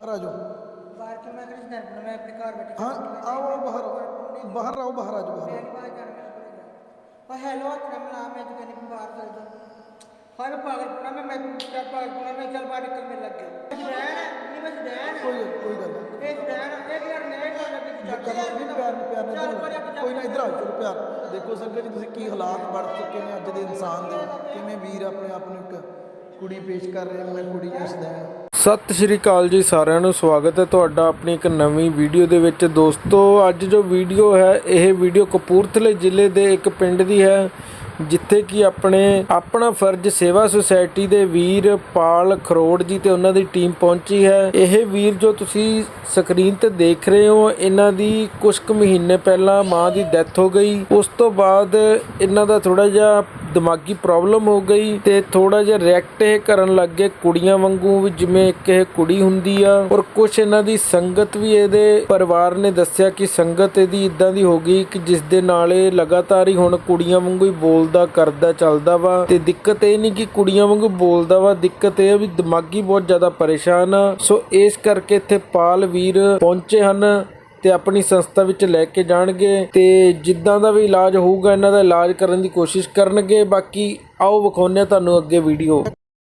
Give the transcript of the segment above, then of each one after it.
आ जाओ। बाहर क्यों? मैं घर मैं अपने घर बैठे हाँ आओ आओ बाहर आओ, बाहर आओ, बाहर आ जाओ, बाहर आओ। बाहर जाना मेरे को और हेलो मैं तो कहने बाहर चल जाओ। हर पागलपना में मैं क्या पागलपना में चल बाहर निकल में लग गया। नहीं बस डैन कोई गल नहीं, एक डैन एक यार नए को लगे नहीं प्यार ਨਾਲ ਕੋਈ ਨਾ ਇੱਧਰ ਆਓ, ਚਲੋ ਪਿਆਰ। ਦੇਖੋ ਸੰਗਤ ਜੀ ਤੁਸੀਂ ਕੀ ਹਾਲਾਤ ਬਣ ਚੁੱਕੇ ਨੇ ਅੱਜ ਦੇ ਇਨਸਾਨ ਦੇ, ਕਿਵੇਂ ਵੀਰ ਆਪਣੇ ਆਪ ਨੂੰ ਇੱਕ ਕੁੜੀ ਪੇਸ਼ ਕਰ ਰਹੇ, ਮੈਂ ਕੁੜੀ ਨੂੰ ਸਦੈਣ। ਸਤਿ ਸ਼੍ਰੀ ਅਕਾਲ ਜੀ ਸਾਰਿਆਂ ਨੂੰ, ਸਵਾਗਤ ਹੈ ਤੁਹਾਡਾ ਆਪਣੀ ਇੱਕ ਨਵੀਂ ਵੀਡੀਓ ਦੇ ਵਿੱਚ। ਦੋਸਤੋ ਅੱਜ ਜੋ ਵੀਡੀਓ ਹੈ ਇਹ ਵੀਡੀਓ ਕਪੂਰਥਲੇ ਜ਼ਿਲ੍ਹੇ ਦੇ ਇੱਕ ਪਿੰਡ ਦੀ ਹੈ ਜਿੱਥੇ ਕਿ ਆਪਣਾ ਫਰਜ਼ ਸੇਵਾ ਸੁਸਾਇਟੀ ਦੇ ਵੀਰ ਪਾਲ ਖਰੋੜ ਜੀ ਤੇ ਉਹਨਾਂ ਦੀ ਟੀਮ ਪਹੁੰਚੀ ਹੈ। ਇਹ ਵੀਰ ਜੋ ਤੁਸੀਂ ਸਕਰੀਨ ਤੇ ਦੇਖ ਰਹੇ ਹੋ, ਇਹਨਾਂ ਦੀ ਕੁਝ ਕੁ ਮਹੀਨੇ ਪਹਿਲਾਂ ਮਾਂ ਦੀ ਡੈਥ ਹੋ ਗਈ। ਉਸ ਤੋਂ ਬਾਅਦ ਇਹਨਾਂ ਦਾ ਥੋੜਾ ਜਿਹਾ ਦਿਮਾਗੀ ਪ੍ਰੋਬਲਮ ਹੋ ਗਈ ਤੇ ਥੋੜਾ ਜਿਹਾ ਰਿਐਕਟ ਇਹ ਕਰਨ ਲੱਗ ਗਏ ਕੁੜੀਆਂ ਵਾਂਗੂ, ਵੀ ਜਿਵੇਂ ਇੱਕ ਇਹ ਕੁੜੀ ਹੁੰਦੀ ਆ। ਔਰ ਕੁਝ ਇਹਨਾਂ ਦੀ ਸੰਗਤ ਵੀ, ਇਹਦੇ ਪਰਿਵਾਰ ਨੇ ਦੱਸਿਆ ਕਿ ਸੰਗਤ ਇਹਦੀ ਇਦਾਂ ਦੀ ਹੋ ਗਈ ਕਿ ਜਿਸ ਦੇ ਨਾਲ ਇਹ ਲਗਾਤਾਰ ਹੀ ਹੁਣ ਕੁੜੀਆਂ ਵਾਂਗੂ ਹੀ ਬੋਲਦਾ ਕਰਦਾ ਚੱਲਦਾ ਵਾ। ਤੇ ਦਿੱਕਤ ਇਹ ਨਹੀਂ ਕਿ ਕੁੜੀਆਂ ਵਾਂਗੂ ਬੋਲਦਾ ਵਾ, ਦਿੱਕਤ ਇਹ ਆ ਵੀ ਦਿਮਾਗੀ ਬਹੁਤ ਜ਼ਿਆਦਾ ਪਰੇਸ਼ਾਨ ਆ। ਸੋ ਇਸ ਕਰਕੇ ਇੱਥੇ ਪਾਲ ਵੀਰ ਪਹੁੰਚੇ ਹਨ ਤੇ ਆਪਣੀ ਸੰਸਥਾ ਵਿੱਚ ਲੈ ਕੇ ਜਾਣਗੇ ਤੇ ਜਿੱਦਾਂ ਦਾ ਵੀ ਇਲਾਜ ਹੋਊਗਾ ਇਹਨਾਂ ਦਾ ਇਲਾਜ ਕਰਨ ਦੀ ਕੋਸ਼ਿਸ਼ ਕਰਨਗੇ। ਬਾਕੀ ਆਓ ਵਿਖਾਉਂਦੇ ਤੁਹਾਨੂੰ ਅੱਗੇ ਵੀਡੀਓ।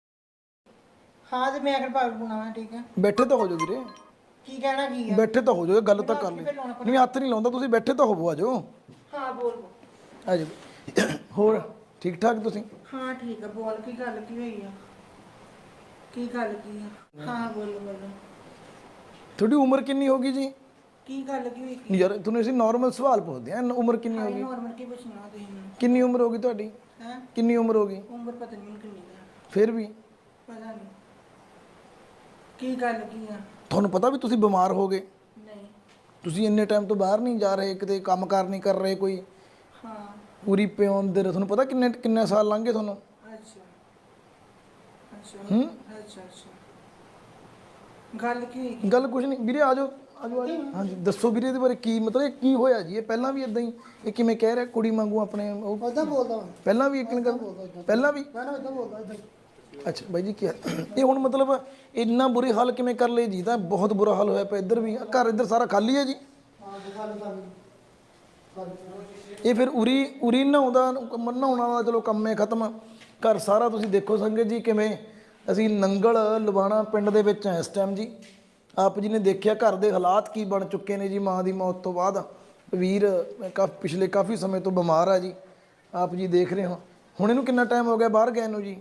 हाँ तो मैं अगर पागल बुना ठीक है। ਬੈਠੇ ਤਾਂ ਹੋ ਜਾਓ ਵੀਰੇ, की कहना की है? ਬੈਠੇ ਤਾਂ ਹੋ ਜਾਓ, ਗੱਲ ਤਾਂ ਕਰ ਲਈ। ਨਹੀਂ ਹੱਥ ਨਹੀਂ ਲਾਉਂਦਾ, ਤੁਸੀਂ ਬੈਠੇ ਤਾਂ ਹੋਵੋ, ਆ ਜਾਓ हाँ बोल ਆ ਜਾਓ। ਹੋਰ ਠੀਕ ਠਾਕ ਤੁਸੀਂ? हाँ ठीक है बोल की गल की हुई है? की गल की है? हाँ बोलो बोलो ਤੁਹਾਡੀ ਉਮਰ ਕਿੰਨੀ ਹੋ ਗਈ ਜੀ? की गल की हुई? ਨਹੀਂ ਯਾਰ ਤੁਹਾਨੂੰ ਅਸੀਂ ਨਾਰਮਲ ਸਵਾਲ ਪੁੱਛਦੇ ਹਾਂ, ਉਮਰ ਕਿੰਨੀ ਹੋ ਗਈ? नॉर्मल की पूछना तुम मैनू ਕਿੰਨੀ ਉਮਰ ਹੋ ਗਈ ਤੁਹਾਡੀ? हैं? ਕਿੰਨੀ ਉਮਰ ਹੋ ਗਈ? उम्र पता नहीं कितनी है, ਫਿਰ ਵੀ पता नहीं की गल की है? ਤੁਹਾਨੂੰ ਪਤਾ ਵੀ ਤੁਸੀਂ ਬਿਮਾਰ ਹੋ ਗਏ? नहीं ਤੁਸੀਂ ਇੰਨੇ ਟਾਈਮ ਤੋਂ ਬਾਹਰ ਨਹੀਂ ਜਾ ਰਹੇ, ਕਿਤੇ ਕੰਮਕਾਰ ਨਹੀਂ ਕਰ ਰਹੇ ਕੋਈ? हाँ ਪੂਰੀ ਪਿਓਨ ਦੇ ਤੁਹਾਨੂੰ ਪਤਾ ਕਿੰਨੇ ਸਾਲ ਲੰਘੇ ਤੁਹਾਨੂੰ? अच्छा अच्छा अच्छा अच्छा गल की हुई? ਗੱਲ ਕੁਝ ਨਹੀਂ ਵੀਰੇ, ਆ ਜਾਓ ਆ ਜਾਓ ਹਾਂਜੀ ਦੱਸੋ ਵੀਰੇ ਇਹਦੇ ਬਾਰੇ ਕੀ ਮਤਲਬ, ਇਹ ਕੀ ਹੋਇਆ ਜੀ? ਇਹ ਪਹਿਲਾਂ ਵੀ ਇਦਾਂ ਹੀ ਇਹ ਕਿਵੇਂ ਕਹਿ ਰਿਹਾ ਕੁੜੀ ਵਾਂਗੂ ਆਪਣੇ ਉਹ? उदा बोलदा ਪਹਿਲਾਂ ਵੀ ਇੱਕ ਗੱਲ ਪਹਿਲਾਂ ਵੀ? मैं उदा बोलदा इधर ਅੱਛਾ ਬਾਈ ਜੀ ਕੀ ਇਹ ਹੁਣ ਮਤਲਬ ਇੰਨਾ ਬੁਰੇ ਹਾਲ ਕਿਵੇਂ ਕਰ ਲਏ ਜੀ? ਤਾਂ ਬਹੁਤ ਬੁਰਾ ਹਾਲ ਹੋਇਆ ਪਿਆ ਇੱਧਰ ਵੀ, ਘਰ ਇੱਧਰ ਸਾਰਾ ਖਾਲੀ ਹੈ ਜੀ। ਇਹ ਫਿਰ ਉਰੀ ਨਹਾਉਂਦਾ ਨਹਾਉਣ ਵਾਲਾ ਚਲੋ ਕੰਮ ਹੈ ਖਤਮ, ਘਰ ਸਾਰਾ ਤੁਸੀਂ ਦੇਖੋ ਸੰਗਤ ਜੀ ਕਿਵੇਂ। ਅਸੀਂ ਨੰਗਲ ਲਵਾਣਾ ਪਿੰਡ ਦੇ ਵਿੱਚ ਹਾਂ ਇਸ ਟਾਈਮ ਜੀ। ਆਪ ਜੀ ਨੇ ਦੇਖਿਆ ਘਰ ਦੇ ਹਾਲਾਤ ਕੀ ਬਣ ਚੁੱਕੇ ਨੇ ਜੀ ਮਾਂ ਦੀ ਮੌਤ ਤੋਂ ਬਾਅਦ। ਵੀਰ ਪਿਛਲੇ ਕਾਫੀ ਸਮੇਂ ਤੋਂ ਬਿਮਾਰ ਆ ਜੀ, ਆਪ ਜੀ ਦੇਖ ਰਹੇ ਹੋ। ਹੁਣ ਇਹਨੂੰ ਕਿੰਨਾ ਟਾਈਮ ਹੋ ਗਿਆ ਬਾਹਰ ਗਏ ਨੂੰ ਜੀ?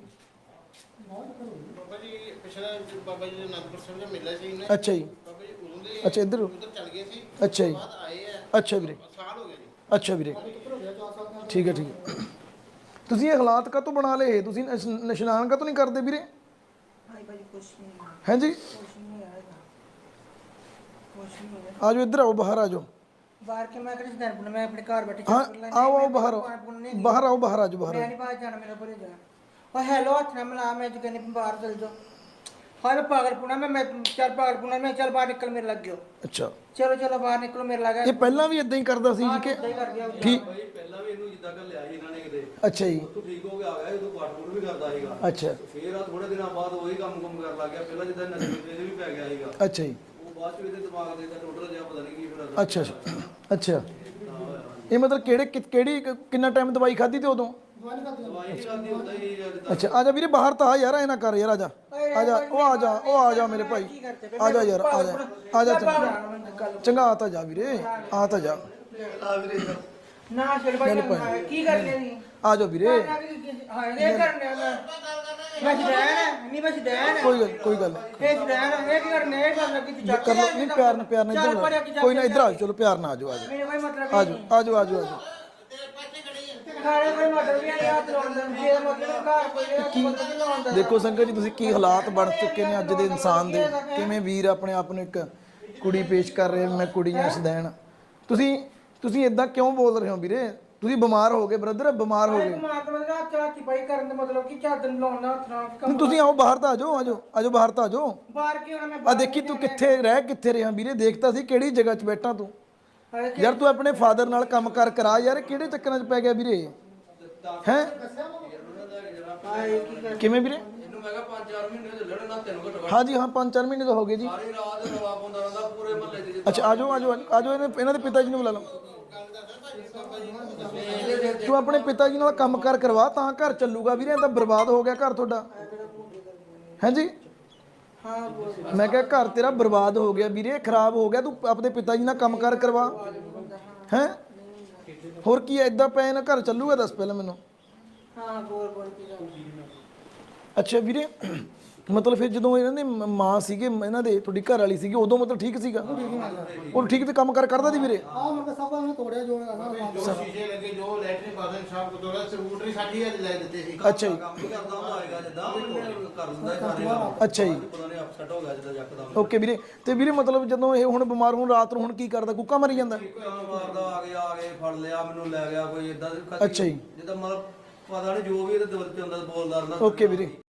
ਬਾਬਾ ਜੀ ਪਿਛਲਾ ਬਾਬਾ ਜੀ ਦੇ ਅਨੰਦਪੁਰ ਸਾਹਿਬ ਦਾ ਮੇਲਾ ਸੀ ਨਾ। ਅੱਛਾ ਜੀ, ਬਾਬਾ ਜੀ ਉਦੋਂ ਦੇ ਅੱਛਾ ਇੱਧਰ ਉਧਰ ਚੱਲ ਗਏ ਸੀ, ਅੱਛਾ ਜੀ, ਬਾਅਦ ਆਏ ਆ, ਅੱਛਾ ਵੀਰੇ, ਸਾਲ ਹੋ ਗਿਆ ਜੀ। ਅੱਛਾ ਵੀਰੇ, ਠੀਕ ਹੈ ਠੀਕ ਹੈ। ਤੁਸੀਂ ਇਹ ਹਾਲਾਤ ਕਾਹਤੋਂ ਬਣਾ ਲਏ? ਤੁਸੀਂ ਇਸ਼ਨਾਨ ਕਾਹਤੋਂ ਨਹੀਂ ਕਰਦੇ ਵੀਰੇ? हाय भाई कुछ नहीं है, ਹੈਂ ਜੀ? कुछ नहीं आएगा, कुछ नहीं है। ਆ ਜਾਓ ਇੱਧਰ ਆਓ, ਬਾਹਰ ਆ ਜਾਓ। बाहर के मैं कर बुना मैं अपने घर बैठे ਹਾਂ ਆਓ ਆਓ ਬਾਹਰ ਆਓ, ਬਾਹਰ ਆਓ, ਬਾਹਰ ਆ ਜਾਓ, ਬਾਹਰ मैं ਆਓ। नहीं बाहर जाना मेरे को जा और हेलो हथ मिला मैं जो कहने बाहर चल जाओ। हर पागलपना में मैं चल पागलपना में चल बाहर निकल मेरे लग गयो। ਅੱਛਾ चलो चलो बाहर निकलो मेरे लगा ਇਹ ਪਹਿਲਾਂ ਵੀ ਇਦਾਂ ਹੀ ਕਰਦਾ ਸੀ ਜੀ ਕਿ कर गया ਠੀਕ? ਭਾਈ ਪਹਿਲਾਂ ਵੀ ਇਹਨੂੰ ਜਿੱਦਾਂ ਕਰ ਲਿਆ ਸੀ ਇਹਨਾਂ ਨੇ ਕਿਤੇ, ਅੱਛਾ ਜੀ, ਉੱਥੋਂ ਠੀਕ ਹੋ ਕੇ ਆ ਗਿਆ, ਉਦੋਂ ਪਾਠ ਵੀ ਕਰਦਾ ਸੀਗਾ। ਅੱਛਾ ਫੇਰ ਆ ਥੋੜੇ ਦਿਨਾਂ ਬਾਅਦ ਉਹੀ ਕੰਮ ਕਰਨ ਲੱਗ ਗਿਆ। ਪਹਿਲਾਂ ਜਿੱਦਾਂ ਨਜ਼ਰ ਤੇ ਵੀ ਪੈ ਗਿਆ ਸੀਗਾ, ਅੱਛਾ ਜੀ, ਉਹ ਬਾਅਦ ਚ ਇਹਦੇ ਦਿਮਾਗ ਦੇ ਤਾਂ ਟੋਟਲ ਜਿਹਾ ਪਤਾ ਨਹੀਂ ਕੀ ਫਿਰ ਅਸਰ ਅੱਛਾ ਅੱਛਾ। ਇਹ ਮਤਲਬ ਕਿਹੜੀ ਕਿੰਨਾ ਟਾਈਮ ਦਵਾਈ ਖਾਧੀ ਤੇ ਉਦੋਂ? ਦਵਾਈ ਨਹੀਂ ਖਾਦੀ ਹੁੰਦਾ ਹੀ ਜਿੱਦਾਂ। ਅੱਛਾ ਆ ਜਾ ਵੀਰੇ ਬਾਹਰ ਤਾਂ ਆ ਯਾਰ, ਐ ਨਾ ਕਰ ਯਾਰ, ਆ ਜਾ ਆ ਜਾ, ਉਹ ਆ ਜਾ ਮੇਰੇ ਭਾਈ, ਆ ਜਾ ਯਾਰ, ਆ ਜਾ ਆ ਜਾ, ਚੰਗਾ ਆ ਤਾਂ ਜਾ ਵੀਰੇ, ਆ ਤਾਂ ਜਾ, ना चल भाई की करने दी ਆ ਜਾ ਵੀਰੇ। हां ये करने मैं डैन नहीं बस डैन ਕੋਈ ਗੱਲ ये डैन ये की करने ये कर लगी तू ਕਰ ਲਓ, ਨਹੀਂ ਪਿਆਰ ਨਾਲ ਇੱਧਰ ਕੋਈ ਨਾ, ਇੱਧਰ ਆ ਜਾਓ, ਚਲੋ ਪਿਆਰ ਨਾਲ ਆ ਜਾਓ, ਆ ਜਾਓ, मेरे कोई मतलब ਆ ਜਾਓ, ਆ ਜਾਓ, ਆ ਜਾਓ, ਆ ਜਾਓ। खाने कोई मतलब भी नहीं हाथ लाउंदा जे मतलब घर कोई मतलब नहीं लाउंदा। ਦੇਖੋ ਸੰਗਤ ਜੀ ਤੁਸੀਂ ਕੀ ਹਾਲਾਤ ਬਣ ਚੁੱਕੇ ਨੇ ਅੱਜ ਦੇ ਇਨਸਾਨ ਦੇ, ਕਿਵੇਂ ਵੀਰ ਆਪਣੇ ਆਪ ਨੂੰ ਇੱਕ ਕੁੜੀ ਪੇਸ਼ ਕਰ ਰਹੇ, ਮੈਂ ਕੁੜੀ ਨੂੰ ਸਦੈਣ। ਤੁਸੀਂ ਇਦਾਂ ਕਿਉਂ ਬੋਲ ਰਹੇ ਹੋ ਵੀਰੇ? ਤੁਸੀਂ ਬਿਮਾਰ ਹੋ ਗਏ ਬ੍ਰਦਰ, ਬਿਮਾਰ ਹੋ ਗਏ। ਦਿਮਾਗ ਤੋਂ ਨਾ ਚਾਚੀ ਪਾਈ ਕਰਨ ਦਾ ਮਤਲਬ ਕਿ ਚਾਦਰ ਨੂੰ ਲਾਉਣਾ ਹੱਥ ਨਾਲ ਨਹੀਂ ਤੁਸੀਂ ਆਓ ਬਾਹਰ ਤਾਂ ਆ ਜਾਓ, ਆ ਜਾਓ, ਆ ਜਾਓ, ਬਾਹਰ ਤਾਂ ਆ ਜਾਓ। ਬਾਹਰ ਕੀ ਹੋਣਾ ਮੈਂ ਆ ਦੇਖੀ ਤੂੰ ਕਿੱਥੇ ਰਿਹਾ ਵੀਰੇ? ਦੇਖਤਾ ਸੀ ਕਿਹੜੀ ਜਗ੍ਹਾ 'ਚ ਬੈਠਾ ਤੂੰ ਯਾਰ। ਤੂੰ ਆਪਣੇ ਫਾਦਰ ਨਾਲ ਕੰਮ ਕਰਾ ਯਾਰ, ਕਿਹੜੇ ਚੱਕਰਾਂ 'ਚ ਪੈ ਗਿਆ ਵੀਰੇ? ਹੈ ਕਿਵੇਂ ਵੀਰੇ? ਮੈਨੂੰ ਮੈਂ ਕਿਹਾ 5-4 ਮਹੀਨੇ ਚੱਲੇ ਨੇ ਨਾ ਤੈਨੂੰ ਘੱਟੋ ਘੱਟ ਹਾਂਜੀ ਹਾਂ 5-4 ਮਹੀਨੇ ਤਾਂ ਹੋ ਗਏ ਜੀ। ਸਾਰੀ ਰਾਤ ਰਵਾ ਪਾਉਂਦਾ ਰਹਿੰਦਾ ਪੂਰੇ ਮਹੱਲੇ 'ਚ ਅੱਛਾ ਆਜੋ ਆਜੋ ਆਜੋ ਇਹਨਾਂ ਦੇ ਪਿਤਾ ਜੀ ਨੂੰ ਬੁਲਾ ਲਓ। ਤੂੰ ਆਪਣੇ ਪਿਤਾ ਜੀ ਨਾਲ ਕੰਮਕਾਰ ਕਰਵਾ ਤਾਂ ਘਰ ਚੱਲੂਗਾ ਵੀਰੇ, ਤਾਂ ਬਰਬਾਦ ਹੋ ਗਿਆ ਘਰ ਤੁਹਾਡਾ। ਹਾਂਜੀ ਹਾਂ ਬੋਲ ਮੈਂ ਕਿਹਾ ਘਰ ਤੇਰਾ ਬਰਬਾਦ ਹੋ ਗਿਆ ਵੀਰੇ, ਖਰਾਬ ਹੋ ਗਿਆ। ਤੂੰ ਆਪਣੇ ਪਿਤਾ ਜੀ ਨਾਲ ਕੰਮਕਾਰ ਕਰਵਾ ਹੈ। ਹੋਰ ਕੀ ਐਦਾਂ ਪਏ ਨਾ ਘਰ ਚੱਲੂਗਾ ਦੱਸ ਪਹਿਲਾਂ ਮੈਨੂੰ। ਹਾਂ ਬੋਲ ਕੀ ਗੱਲ ਅੱਛਾ ਵੀਰੇ ਮਤਲਬ ਫਿਰ ਜਦੋਂ ਇਹਨਾਂ ਦੇ ਮਾਂ ਸੀਗੇ ਇਹਨਾਂ ਦੇ ਤੁਹਾਡੀ ਘਰ ਵਾਲੀ ਸੀਗੀ ਉਦੋਂ ਮਤਲਬ ਠੀਕ ਸੀਗਾ ਉਹ ਠੀਕ ਤੇ ਕੰਮ ਕਰਦਾ ਸੀ ਵੀਰੇ। ਆ ਮੈਂ ਸਭ ਨੂੰ ਤੋੜਿਆ ਜੋ ਜੋ ਸ਼ੀਸ਼ੇ ਲੱਗੇ ਜੋ ਲੈਟਰਿਨ ਬਾਥਰੂਮ ਸਭ ਕੁਝ ਤੋੜਾ, ਸਕੂਟਰੀ ਸਾਡੀ ਅੱਜ ਲੈ ਦਿੱਤੇ ਸੀ। ਅੱਛਾ ਜੀ ਕੰਮ ਹੀ ਕਰਦਾ ਹੁੰਦਾ ਹੋਏਗਾ ਜਿੱਦਾਂ ਕਰ ਦਿੰਦਾ ਹੈ ਸਾਰੇ ਕੰਮ। ਅੱਛਾ ਜੀ ਪਤਾ ਨਹੀਂ ਅਪਸੈਟ ਹੋ ਗਿਆ ਜਿੱਦਾਂ ਯਕਦਮ ਓਕੇ ਵੀਰੇ। ਤੇ ਵੀਰੇ ਮਤਲਬ ਜਦੋਂ ਇਹ ਹੁਣ ਬਿਮਾਰ ਹੋਣ ਰਾਤ ਨੂੰ ਹੁਣ ਕੀ ਕਰਦਾ, ਕੁੱਕਾ ਮਰੀ ਜਾਂਦਾ? ਕੰਮ ਮਾਰਦਾ ਆ ਗਏ ਫੜ ਲਿਆ ਮੈਨੂੰ ਲੈ ਗਿਆ ਕੋਈ ਇਦਾਂ ਅੱਛਾ ਜੀ ਜਿੱਦਾਂ ਮਤਲਬ ਪਤਾ ਨਹੀਂ ਜੋ ਵੀ ਇਹਦੇ ਦਿਲ 'ਚ ਹੁੰਦਾ ਬੋਲਦਾ ਰਹਿੰਦਾ। ਓਕੇ ਵੀਰੇ।